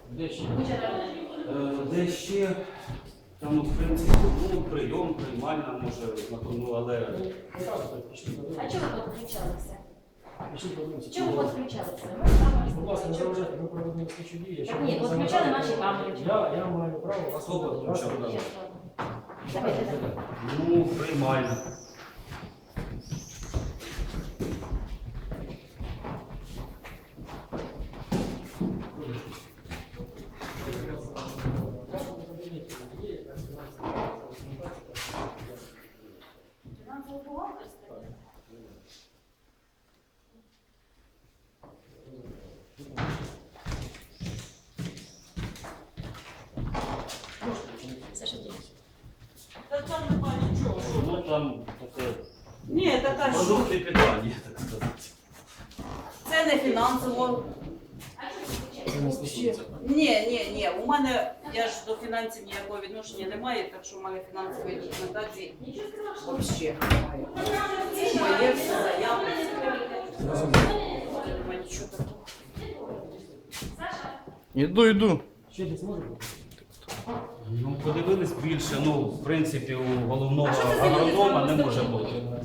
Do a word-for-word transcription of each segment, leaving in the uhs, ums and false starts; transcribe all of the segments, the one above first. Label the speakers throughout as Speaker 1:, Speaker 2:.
Speaker 1: Де ще?
Speaker 2: Е, Де ще, там, от, в принципі, ну, прийом, приймальна, може, ну, але
Speaker 3: А чого ви підключалися?
Speaker 1: Пишіть, подивимося.
Speaker 3: Чому ви підключалися?
Speaker 1: Будь ласка, не заважайте, ми проводимо слідчі дії.
Speaker 3: Так ні, от включали наші камери.
Speaker 1: Я, я маю право вас
Speaker 2: Хто
Speaker 1: слухати.
Speaker 2: включав?
Speaker 1: Вас-
Speaker 3: Щас, ладно. Давайте так.
Speaker 2: ну, приймальна.
Speaker 3: Саша, дякую.
Speaker 4: Та там немає нічого.
Speaker 2: Ну, там таке
Speaker 4: Ні, така що
Speaker 2: продукти питання, так сказати.
Speaker 4: це не фінансово.
Speaker 1: Це не стосується.
Speaker 4: Ні, ні, ні. У мене я ж до фінансів ніякого відношення не маю, так що в мене фінансової документації взагалі немає. Моє все заяви. Немає нічого такого.
Speaker 5: Іду, йду.
Speaker 1: Ще десь може бути?
Speaker 2: Ну, подивились більше, ну, в принципі, у головного агронома не може бути.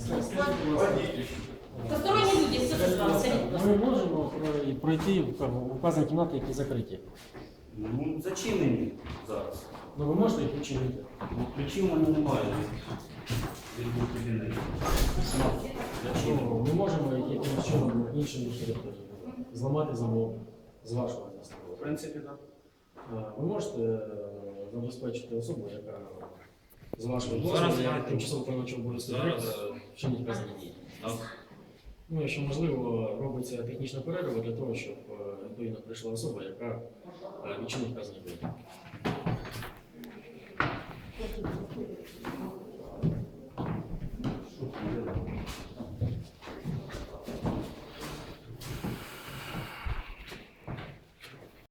Speaker 3: Посторонні люди, все ж вам, скажіть, будь ласка.
Speaker 1: Ми можемо про- пройти в как би, в указані кімнати, які закриті.
Speaker 2: Ну, зачинені зараз.
Speaker 1: Ну ви можете їх відчинити?
Speaker 2: Ну, ключів у мене немає. Від двох кабінетів.
Speaker 1: Ну, ми можемо якимось чином іншим територіям зламати замок з вашого міста.
Speaker 2: В принципі, так.
Speaker 1: Ви можете е, забезпечити особу, яка з вашого
Speaker 2: Ну, зараз
Speaker 1: дозволу,
Speaker 2: я-
Speaker 1: як тимчасово виконуючого обов'язки
Speaker 2: Зараз.
Speaker 1: директора, вчинить вказані дії.
Speaker 2: Так.
Speaker 1: Ну, якщо можливо, робиться технічна перерва для того, щоб е, відповідно прийшла особа, яка е, відчинить вказані дії.